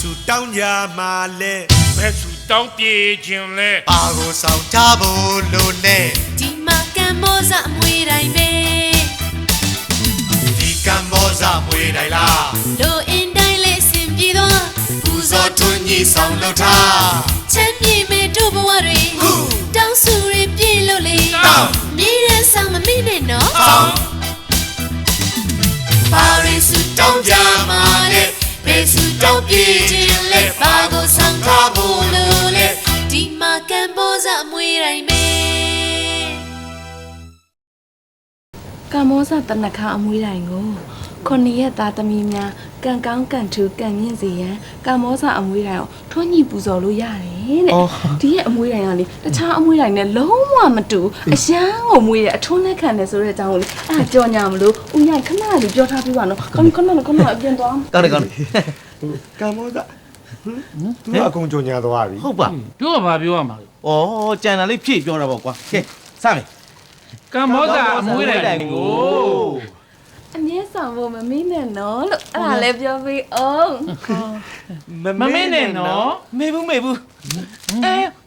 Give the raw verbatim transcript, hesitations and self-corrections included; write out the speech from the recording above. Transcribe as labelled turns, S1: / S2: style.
S1: စုတောင်းကြမှာလဲ
S2: ဘယ်သူတောင်းပြေခြင်းလဲ
S1: ဘာကိုဆောင်ကြဖို့လို့လဲ
S3: ဒီမှာကံမောစအမွေတိုင်းပဲ
S1: ဒီကံမောဇမွေတိုင်းလား
S3: လိုအင်းတိုင်းလေးစင်ပြေတော့
S1: ပူဇော်ထွန်းကြီးဆောင်လို့ထား
S3: ချမ်းမြေမဲ့တို့ဘဝတွေတောင်းစုရပြည့်လို့လေမြည်ရန်ဆောင်မမိနဲ့နော်
S1: ဆောင်ပါရီစုတောင်းကြမှာလဲဘယ်စုတောင်းပြေခြင်းလဲဘာကိုဆောင်ထားဖို့လို့လဲ
S3: ဒီမှာကံမောစအမွေတိုင်းပဲ
S4: ကံမောဇတနခါအမွေးတိုင်ကိုခொနစ်ရက်သားသမီးများကံကောင်းကံထူးကံမြင့်စေရန်ကံမောဇအမွေးတိုင်ကိုထွန်းညှိပူဇော်လို့ရတယ်တဲ့ဒီရဲ့အမွေးတိုင်ကလေတခြားအမွေးတိုင်နဲ့လုံးဝမတူအရန်ကိုမွေးရအထွန်းနဲ့ခံတယ်ဆိုတဲ့အကြောင်းကိုလေအဲ့ဒါကြော်ညာမလို့ဦးရိုင်ခဏလေးပြောထားပြီးပါနော်ခဏခဏခဏအပြင်သွား
S5: ကောင်းတယ်ကောင်းတယ်
S1: ကံမောဇသူကအကုန်ကြုံညာသွားပြီ
S5: ဟုတ်ပါ
S6: ပြောကဘာပြောရမှာလဲ
S5: ဩကြံတာလေးဖြည့်ပြောတာပေါ့ကွာကဲစမယ်
S6: ကံမောတာအမွေးတိုင်ကို
S4: အမြဲဆောင်ဖို့မမင်းနဲ့နော်လို့အဲ့ဒါလည်းပြောပြီးအောင်
S6: မမင်းနဲ့နော်
S5: မေဘူးမေဘူးအဲ